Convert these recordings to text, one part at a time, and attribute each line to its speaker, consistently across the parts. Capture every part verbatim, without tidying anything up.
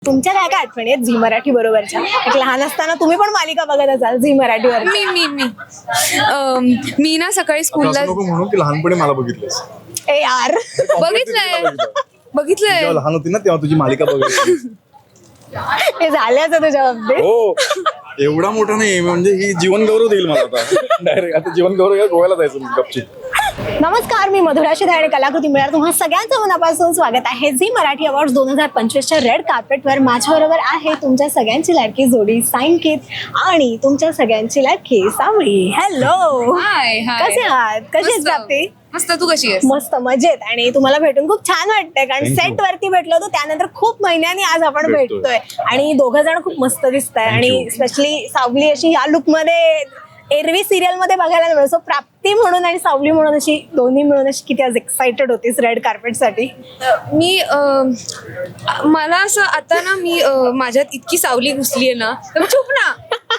Speaker 1: तुमच्या काय काय आठवणी आहेत झी मराठी बरोबरच्या? एक लहान असताना तुम्ही पण मालिका बघत असाल झी मराठीवर.
Speaker 2: मी मी मी अम, मी ना सकाळी स्कूलला
Speaker 3: नको म्हणून की लहानपणी मला बघितलंस.
Speaker 1: ए यार
Speaker 2: बघितलंय बघितलंय
Speaker 3: जेव्हा लहान होती ना तेव्हा तुझी मालिका बघितली.
Speaker 1: हे झाल्याचं तुझ्या बाबतीत.
Speaker 3: हो एवढा मोठा नाही म्हणजे ही जीवन गौरव देईल मला आता डायरेक्ट. आता जीवन गौरव गोव्याला जायचं मी गपची.
Speaker 1: नमस्कार, मी मधुरा शिधाळे आणि कलाकृती मिळणार तुम्हा सगळ्यांचं मनापासून स्वागत आहे झी मराठी अवॉर्ड दोन हजार पंचवीसच्या रेड कार्पेटवर. माझ्याबरोबर आहे तुमच्या सगळ्यांची लाडकी जोडी सायंकित आणि तुमच्या सगळ्यांची लाडकी सावळी. हॅलो,
Speaker 2: हाय हाय
Speaker 1: कसे आहात? कशी आहेस प्राप्ती?
Speaker 2: मस्त. तू कशी आहेस?
Speaker 1: मस्त मजेत. आणि तुम्हाला भेटून खूप छान वाटतंय कारण
Speaker 3: Thank you.
Speaker 1: सेट वरती भेटलो होतो त्यानंतर खूप महिन्यांनी आज आपण
Speaker 3: भेटतोय.
Speaker 1: भेटतोय आणि दोघं जण खूप मस्त दिसताय.
Speaker 3: Thank
Speaker 1: आणि
Speaker 3: you.
Speaker 1: स्पेशली सावली अशी या लुक मध्ये एरवी सिरियल मध्ये बघायला मिळतो. प्राप्ती म्हणून आणि सावली म्हणून अशी दोन्ही मिळून अशी किती आज एक्साइटेड होतीस रेड कार्पेट साठी?
Speaker 2: मी अम, मला असं आता ना मी अ, माझ्यात इतकी सावली घुसली आहे ना तर चुप ना.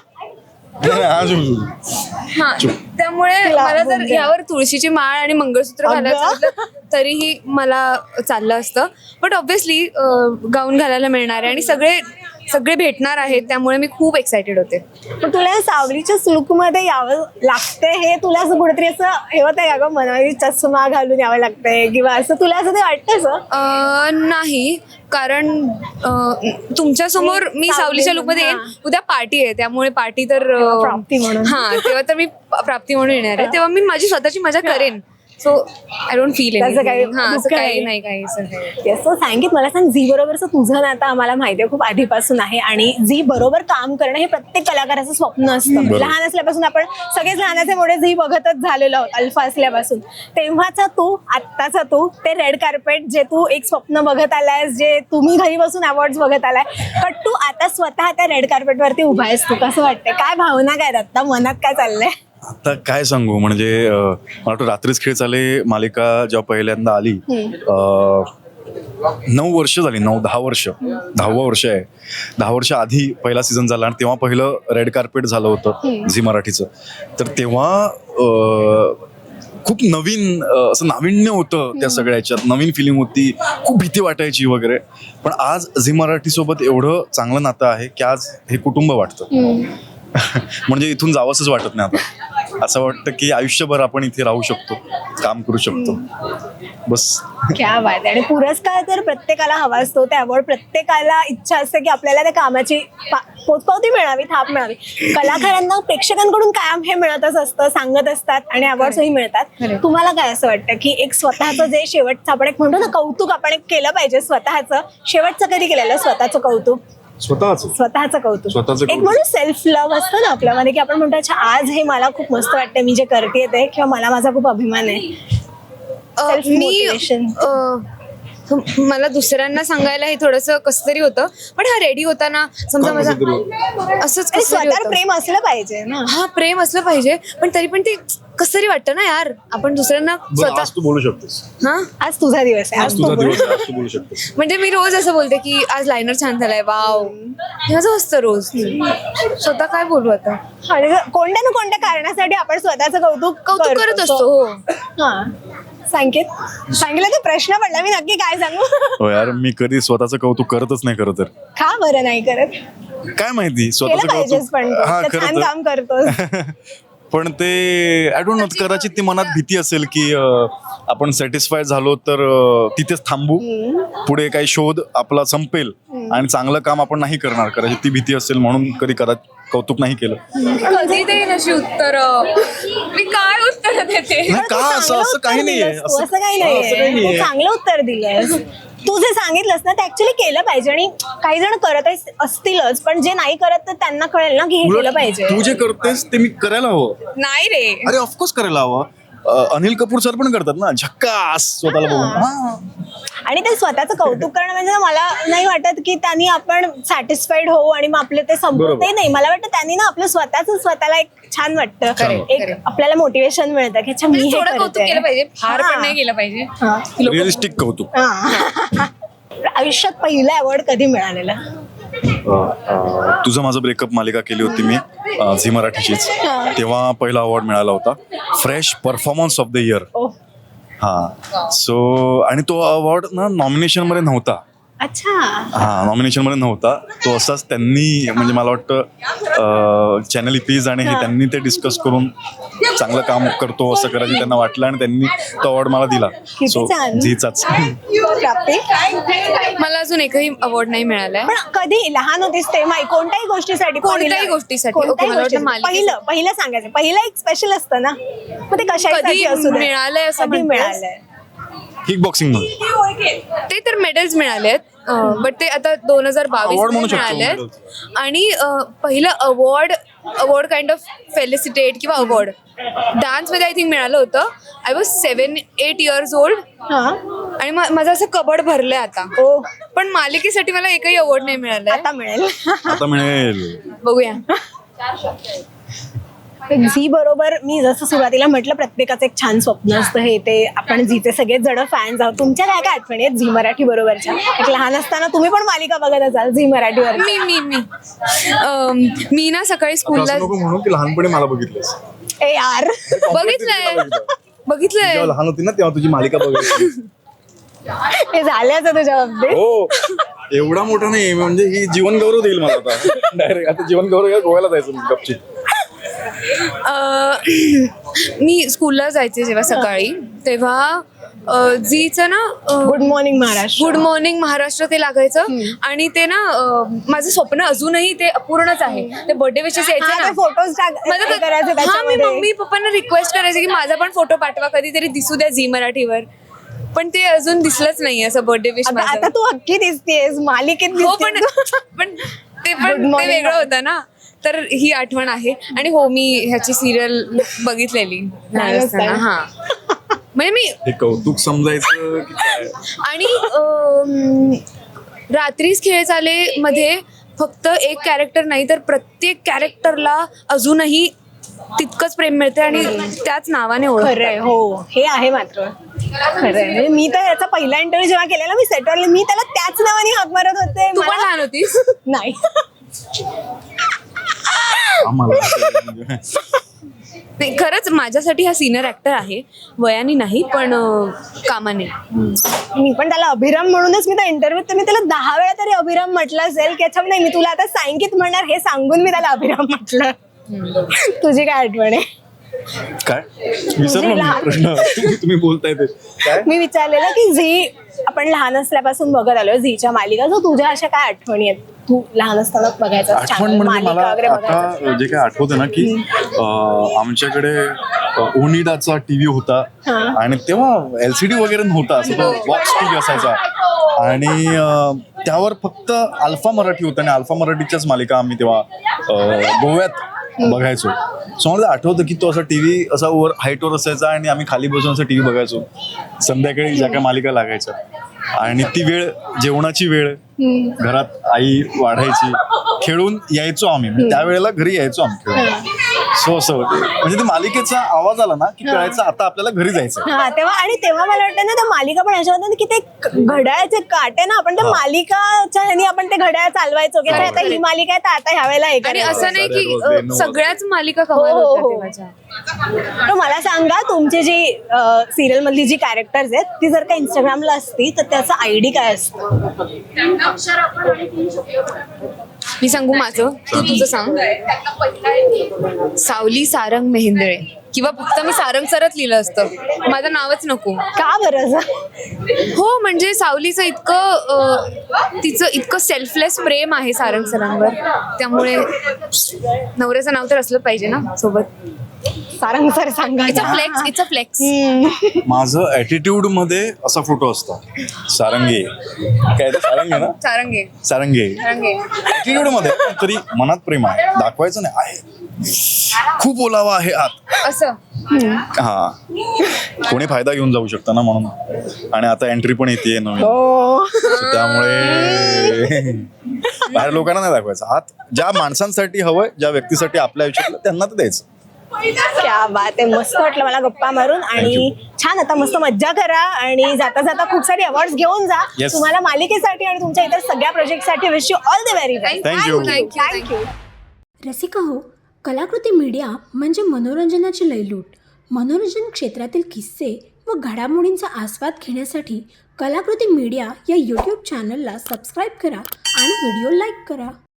Speaker 2: हा त्यामुळे
Speaker 1: तिला
Speaker 2: मला जर
Speaker 1: बोलते.
Speaker 2: यावर तुळशीची माळ आणि मंगळसूत्र
Speaker 1: अगं.
Speaker 2: घालायचं असलं तरीही मला चाललं असतं. बट ऑब्व्हियसली गाऊन घालायला मिळणार आहे आणि सगळे सगळे भेटणार आहेत त्यामुळे मी खूप एक्सायटेड होते.
Speaker 1: पण तुला या सावलीच्या लुक मध्ये यावं लागतंय हे तुला असं कुठेतरी असं हे होतंय का गं, मनाली चष्मा घालून यावं लागतंय किंवा असं तुला असं ते वाटतं असं?
Speaker 2: अ, नाही कारण तुमच्या समोर मी
Speaker 1: सावली
Speaker 2: सावलीच्या लुक मध्ये येईन.
Speaker 1: हा.
Speaker 2: उद्या पार्टी आहे त्यामुळे पार्टी तर अ,
Speaker 1: तेव्हा प्राप्ती म्हणून.
Speaker 2: हा तेव्हा तर मी प्राप्ती म्हणून येणार आहे तेव्हा मी माझी स्वतःची मजा करेन. सो आय डोंट फील
Speaker 1: त्याचं काही
Speaker 2: हा असं
Speaker 1: दुःख
Speaker 2: काही
Speaker 1: नाही.
Speaker 2: नाही काही असं काही.
Speaker 1: येस, सो सांगित मला सांग, झी बरोबरचं तुझं नातं आम्हाला माहिती आहे खूप आधीपासून आहे आणि झी बरोबर काम करणं हे प्रत्येक कलाकाराचं स्वप्न असतं. लहान असल्यापासून आपण सगळेच लहानाचे मोठे झी बघतच झालेलो आहोत अल्फा असल्यापासून. तेव्हाचा तू, आत्ताचा तू, ते रेड कार्पेट जे तू एक स्वप्न बघत आलायस, जे तुम्ही घरी बसून अवॉर्ड्स बघत आलाय, पण तू आता स्वतः त्या रेड कार्पेटवरती उभा आहेस. तू कसं वाटतंय? काय भावना काय आहेत आता मनात, काय चाललंय?
Speaker 3: आता काय सांगू म्हणजे अं, मला वाटतं रात्रीच खेळ चाले मालिका जेव्हा पहिल्यांदा आली अं, नऊ वर्ष झाली, नऊ दहा वर्ष दहावं वर्ष आहे. दहा वर्ष आधी पहिला सीझन झाला आणि तेव्हा पहिलं रेड कार्पेट झालं होतं झी मराठीचं. तर तेव्हा अं, खूप नवीन अं, असं नाविन्य होतं त्या सगळ्याच्यात. नवीन फिलिंग होती, खूप भीती वाटायची वगैरे. पण आज झी मराठी सोबत एवढं चांगलं नातं आहे की आज हे कुटुंब वाटतं. म्हणजे इथून जावंसच वाटत नाही आता. असं वाटतं की आयुष्यभर आपण इथे राहू शकतो, काम करू शकतो. बस
Speaker 1: क्या बात आहे. आणि पुरस्कार तर प्रत्येकाला हवा असतो, ते अवॉर्ड प्रत्येकाला इच्छा असते की आपल्याला त्या कामाची पा- पोचपावती मिळावी, थाप मिळावी. कलाकारांना प्रेक्षकांकडून कायम हे मिळतच असतं, सांगत असतात आणि अवॉर्ड्सही मिळतात. तुम्हाला काय असं वाटतं की एक स्वतःचं जे शेवटचं आपण एक म्हणतो ना कौतुक आपण एक केलं पाहिजे स्वतःचं, शेवटचं कधी केलेलं स्वतःचं कौतुक?
Speaker 3: स्वतःच
Speaker 1: स्वतःचं कौतुक.
Speaker 3: स्वतःचं
Speaker 1: एक
Speaker 3: कौतुक.
Speaker 1: म्हणून सेल्फ लव्ह असतं ना आपल्यामध्ये की आपण म्हणतो अच्छा आज हे मला खूप मस्त वाटतं मी जे करते ते, किंवा मला माझा खूप अभिमान आहे.
Speaker 2: अ,
Speaker 1: Self
Speaker 2: मी
Speaker 1: motivation.
Speaker 2: अ, मला दुसऱ्यांना सांगायला हे थोडंसं कसं तरी होतं. पण हा रेडी होता ना समजा
Speaker 3: का
Speaker 2: माझा
Speaker 3: कसं तरी
Speaker 2: असंच
Speaker 1: आणि
Speaker 2: कसं तरी
Speaker 1: स्वतःवर
Speaker 2: होतं.
Speaker 1: प्रेम असलं पाहिजे ना.
Speaker 2: हा प्रेम असलं पाहिजे पण तरी पण ते कसं तरी वाटतं ना यार आपण दुसऱ्यांना
Speaker 3: बरं,
Speaker 2: स्वतः
Speaker 3: आज तू बोलू शकतेस.
Speaker 2: हा
Speaker 1: आज तुझा दिवस आहे, आज
Speaker 3: आज तुझा
Speaker 1: तू बोल.
Speaker 3: दिवस आहे, आज तू बोलू शकतेस.
Speaker 2: म्हणजे मी रोज असं बोलते की आज लायनर छान झालाय वाव हे असं असतं रोज. स्वतः काय बोलू आता.
Speaker 1: आणि जर कोणत्या ना कोणत्या कारणासाठी आपण स्वतःचं कौतुक
Speaker 2: कौतुक करत असतो. हो
Speaker 1: हा सांगित सांगितलं तर प्रश्न पडला मी नक्की काय सांगू.
Speaker 3: हो यार, मी कधी स्वतःचं कौतुक करतच नाही खरं तर.
Speaker 1: का बरं नाही करत?
Speaker 3: काय माहिती
Speaker 1: केलं
Speaker 3: स्वतःचं
Speaker 1: पाहिजेच पण
Speaker 3: कौतुक. हा
Speaker 1: तू. तर छान
Speaker 3: खरं
Speaker 1: काम करतोस.
Speaker 3: तर. पण ते आय डोंट नो, कदाचित ती मनात भीती असेल की अं, आपण सॅटिस्फाय झालो तर अं, तिथेच थांबू, पुढे काही शोध आपला संपेल आणि चांगलं काम आपण नाही करणार. कदाचित ती भीती असेल म्हणून कधी कदाचित कौतुक नाही केलं.
Speaker 2: कधी देईन अशी उत्तर मी काय उत्तर देते.
Speaker 3: नाही का, असं
Speaker 1: चांगलं
Speaker 3: असं
Speaker 1: उत्तर
Speaker 3: काही नाहीये.
Speaker 1: दिलंस तू, असं काही
Speaker 3: हा, असं काही
Speaker 1: नाहीये. तू
Speaker 3: नाहीये.
Speaker 1: चांगलं उत्तर दिलंस. तू जे सांगितलंस ना ते ऍक्च्युली केलं पाहिजे. आणि काही जण करत असतीलच पण जे नाही करत तर त्यांना कळेल ना की हे केलं
Speaker 3: उलट
Speaker 1: पाहिजे.
Speaker 3: तू जे करतेस ते मी करायला हवं.
Speaker 2: नाही रे
Speaker 3: अरे ऑफकोर्स करायला हवं. अं, अनिल कपूर सर पण करतात ना, झक्कास स्वतःला बघून. हा.
Speaker 1: आणि ते स्वतःचं कौतुक करणं म्हणजे ना मला नाही वाटत की त्यांनी आपण सॅटिस्फाईड होऊ आणि मग आपलं ते संपत
Speaker 3: बरोबर.
Speaker 1: ते नाही. मला वाटतं त्यांनी ना आपलं स्वतःच स्वतःला एक छान वाटतं,
Speaker 2: Correct,
Speaker 1: एक
Speaker 2: correct.
Speaker 1: आपल्याला मोटिवेशन मिळतं की अच्छा मी हे
Speaker 2: थोडं कौतुक
Speaker 1: करते.
Speaker 2: केलं पाहिजे फार
Speaker 1: हा.
Speaker 2: पण नाही केलं पाहिजे.
Speaker 1: हा.
Speaker 3: रिअलिस्टिक कौतुक.
Speaker 1: हा. आयुष्यात पहिला अवॉर्ड कधी मिळालेला?
Speaker 3: तुझं माझं ब्रेकअप मालिका केली होती मी अं, झी मराठीचीच. तेव्हा पहिला अवॉर्ड मिळाला होता, fresh performance of the year.
Speaker 1: ओ
Speaker 3: हा सो आणि तो अवॉर्ड ना नॉमिनेशन मध्ये नव्हता.
Speaker 1: अच्छा.
Speaker 3: हा नॉमिनेशन मध्ये नव्हता तो. असाच त्यांनी म्हणजे मला वाटतं चॅनल इपीज आणि हे त्यांनी ते डिस्कस करून चांगलं काम करतो असं करायचं त्यांना वाटलं आणि त्यांनी तो अवॉर्ड मला दिला. सो
Speaker 1: छान.
Speaker 3: झीचाच.
Speaker 1: प्राप्ती.
Speaker 2: मला अजून एकही अवॉर्ड नाही मिळालाय.
Speaker 1: पण कधी लहान होतीस तेव्हा कोणत्याही गोष्टीसाठी
Speaker 2: कोणत्याही
Speaker 1: पहिलं-
Speaker 2: गोष्टीसाठी.
Speaker 1: कोणत्याही
Speaker 2: ओके, मला वाटतं
Speaker 1: गोष्टीसाठी.
Speaker 2: मालिकेसाठी.
Speaker 1: पहिलं पहिलं सांगायचं पहिलं एक स्पेशल असतं ना मग ते कशासाठी
Speaker 2: कधी
Speaker 1: असू दे.
Speaker 2: मिळालंय असं
Speaker 1: कधी
Speaker 2: म्हणतेस?
Speaker 1: मिळालंय.
Speaker 3: किक बॉक्सिंग मध्ये
Speaker 2: ते तर मेडल्स मिळाले आहेत बट ते आता दोन हजार बावीस
Speaker 3: Award म्हणू शकतो
Speaker 2: मिळाले आहेत.
Speaker 3: medals.
Speaker 2: आणि अं, पहिलं award award kind of felicitate किंवा अवॉर्ड डान्समध्ये आय थिंक मिळालं होतं. I was seven eight years old
Speaker 1: हा.
Speaker 2: आणि मा- माझं असं कबड भरलंय आता.
Speaker 1: ओ
Speaker 2: पण मालिकेसाठी मला एकही अवॉर्ड नाही मिळालाय.
Speaker 1: आता मिळेल.
Speaker 3: आता मिळेल.
Speaker 2: बघूया.
Speaker 1: झी बरोबर मी जसं सुरुवातीला म्हटलं प्रत्येकाचं एक छान स्वप्न असतं हे ते आपण झीचे सगळेच जण फॅन्स आहोत. तुमच्या काय काय आठवणी आहेत झी मराठी बरोबरच्या? एक लहान असताना तुम्ही पण मालिका बघत असाल झी मराठीवर.
Speaker 2: मी मी मी अं, मी ना सकाळी स्कूलला
Speaker 3: असं नको म्हणून की लहानपणी मला बघितलंस.
Speaker 1: ए यार
Speaker 2: बघितलंय बघितलंय
Speaker 3: जेव्हा लहान होती ना तेव्हा तुझी मालिका बघायची.
Speaker 1: हे झाल्याचं तुझ्या बाबतीत.
Speaker 3: हो एवढा मोठा नाही म्हणजे ही जीवन गौरव देईल मला आता. डायरेक्ट आता जीवन गौरव गोव्याला जायचं मी गपची.
Speaker 2: अं, मी स्कूलला जायचे जेव्हा सकाळी तेव्हा अं, झीचं ना अं,
Speaker 1: good morning Maharashtra.
Speaker 2: Good morning Maharashtra ते लागायचं आणि ते ना अं, माझं स्वप्न अजूनही ते अपूर्णच आहे. ते बर्थडे विशेष यायचे ना
Speaker 1: फोटोज
Speaker 2: माझं क-
Speaker 1: करायचे
Speaker 2: हा, मी
Speaker 1: त्याच्यामध्ये.
Speaker 2: मम्मी पप्पांना रिक्वेस्ट करायचे की माझा पण फोटो पाठवा कधीतरी दिसू द्या झी मराठीवर. पण ते अजून दिसलंच नाही असं बर्थडे विश
Speaker 1: आता आता तू अख्खी दिसतेस मालिकेत
Speaker 2: हो पण
Speaker 1: दिसतेस.
Speaker 2: पण ते
Speaker 1: Good
Speaker 2: पण ते
Speaker 1: morning,
Speaker 2: वेगळं होतं ना. तर ही आठवण आहे. आणि हो मी ह्याची सिरियल बघितलेली लहान असताना. हा म्हणजे मी
Speaker 3: हे कौतुक समजायचं की काय?
Speaker 2: आणि अम, रात्रीच खेळ चाले मध्ये फक्त एक कॅरेक्टर नाही तर प्रत्येक कॅरेक्टरला अजूनही तितकंच प्रेम मिळते आणि त्याच नावाने ओळख.
Speaker 1: खरंय हो हे आहे मात्र खरंय. म्हणजे मी तर याचा पहिला इंटरव्ह्यू जेव्हा केलेला मी सेटवर मी त्याला त्याच नावाने हाक मारत होते.
Speaker 2: तू पण
Speaker 1: मला-
Speaker 2: लहान होतीस.
Speaker 1: नाही
Speaker 3: आम्हाला
Speaker 2: नाही खरंच माझ्यासाठी हा सिनियर ऍक्टर आहे वयाने नाही पण अं, कामाने.
Speaker 1: मी पण त्याला अभिराम म्हणूनच मी त्या इंटरव्ह्यूत तर मी त्याला दहा वेळा तरी अभिराम म्हटलं असेल की अच्छा नाही मी तुला आता सांगित म्हणणार हे सांगून मी त्याला अभिराम म्हटलं. तुझी काय आठवण आहे?
Speaker 3: काय विसरलो मी प्रश्न. तुम्ही तुम्ही बोलताय ते काय?
Speaker 1: मी विचारलेलं की झी आपण लहान असल्यापासून बघत आलोय झीच्या मालिका जो तुझ्या अशा काय आठवणी आहेत तू लहान असताना बघायचा
Speaker 3: आठवण म्हणजे मला आता जे काय आठवतं ना की अं, आमच्याकडे अं, ओनिडाचा टीव्ही होता आणि तेव्हा एलसीडी वगैरे नव्हता असं तो बॉक्स टीव्ही असायचा आणि अं, त्यावर फक्त अल्फा मराठी होतं आणि अल्फा मराठीच्याच मालिका आम्ही तेव्हा अं, गोव्यात बघायचो. सो मला आठवतं की तो असा टीव्ही असा वर हाईटवर असायचा आणि आम्ही खाली बसून असा टीव्ही बघायचो संध्याकाळी ज्या काय मालिका लागायच्या. आणि ती वेळ जेवणाची वेळ घरात आई वाढायची खेळून यायचो आम्ही म्हणजे त्यावेळेला घरी यायचो आम्ही खेळून. सो असं होते म्हणजे ते मालिकेचा आवाज आला ना की कळायचं आता आपल्याला घरी जायचं.
Speaker 1: हा तेव्हा आणि तेव्हा मला वाटतं ना त्या मालिका पण अशा होत्या ना की ते क- घड्याळाचे काटे ना आपण त्या मालिकाच्या ह्यानी आपण ते घड्याळ चालवायचो की अरे आता ही मालिका आहे तर आता ह्या वेळेला हे
Speaker 2: आणि
Speaker 1: करायचं.
Speaker 2: असं नाही की
Speaker 3: रोज,
Speaker 2: अं,
Speaker 3: नऊ
Speaker 2: सगळ्याच मालिका कमाल
Speaker 1: हो, हो,
Speaker 2: होत्या
Speaker 1: हो.
Speaker 2: तेव्हाच्या.
Speaker 1: तर मला सांगा तुमची जी सिरियल मधली जी कॅरेक्टर्स आहेत ती जर का इंस्टाग्रामला असती तर त्याचा आयडी काय असतं?
Speaker 2: मी सांगू माझं तू तुझं सांग. सावली सारंग मेहेंदळे किंवा फक्त मी सारंग सरच लिहिलं असतं माझं नावच नको.
Speaker 1: का बरं असं?
Speaker 2: हो म्हणजे सावलीचं इतकं अं, तिचं इतकं सेल्फलेस प्रेम आहे सारंग सरांवर त्यामुळे नवऱ्याचं नाव तर असलं पाहिजे ना सोबत.
Speaker 1: सारंग सर सांगा
Speaker 2: it's a flex it's a flex.
Speaker 3: माझं ऍटिट्यूड मध्ये असा फोटो असतो सारंगे काय ते सारंगे ना
Speaker 2: सारंगे
Speaker 3: सारंगे
Speaker 2: सारंगे
Speaker 3: ऍटिट्यूड मध्ये तरी मनात प्रेम आहे दाखवायचं नाही आहे खूप ओलावा आहे आत.
Speaker 2: असं.
Speaker 3: हा कोणी फायदा घेऊन जाऊ शकतं ना म्हणून. आणि आता एंट्री पण येते नवीन
Speaker 1: हो
Speaker 3: So त्यामुळे बाहेर लोकांना नाही दाखवायचं आत ज्या माणसांसाठी हवंय ज्या व्यक्तीसाठी आपल्या आयुष्यातलं त्यांना ते द्यायचं.
Speaker 1: क्या बात आहे. मस्त वाटलं मला गप्पा मारून आणि छान आता मस्त मज्जा करा आणि जाता जाता खूप सारे अवॉर्ड घेऊन जा.
Speaker 3: Yes.
Speaker 1: तुम्हाला मालिकेसाठी आणि तुमच्या इतर सगळ्या प्रोजेक्टसाठी wish you all the very best.
Speaker 3: Thank you.
Speaker 2: Thank you
Speaker 1: thank you.
Speaker 4: Rasika हो, कलाकृती मीडिया म्हणजे मनोरंजनाची लयलूट. मनोरंजन क्षेत्रातील किस्से व घडामोडींचा आस्वाद घेण्यासाठी कलाकृती मीडिया या यूट्यूब चॅनलला सबस्क्राईब करा आणि व्हिडिओ लाईक करा.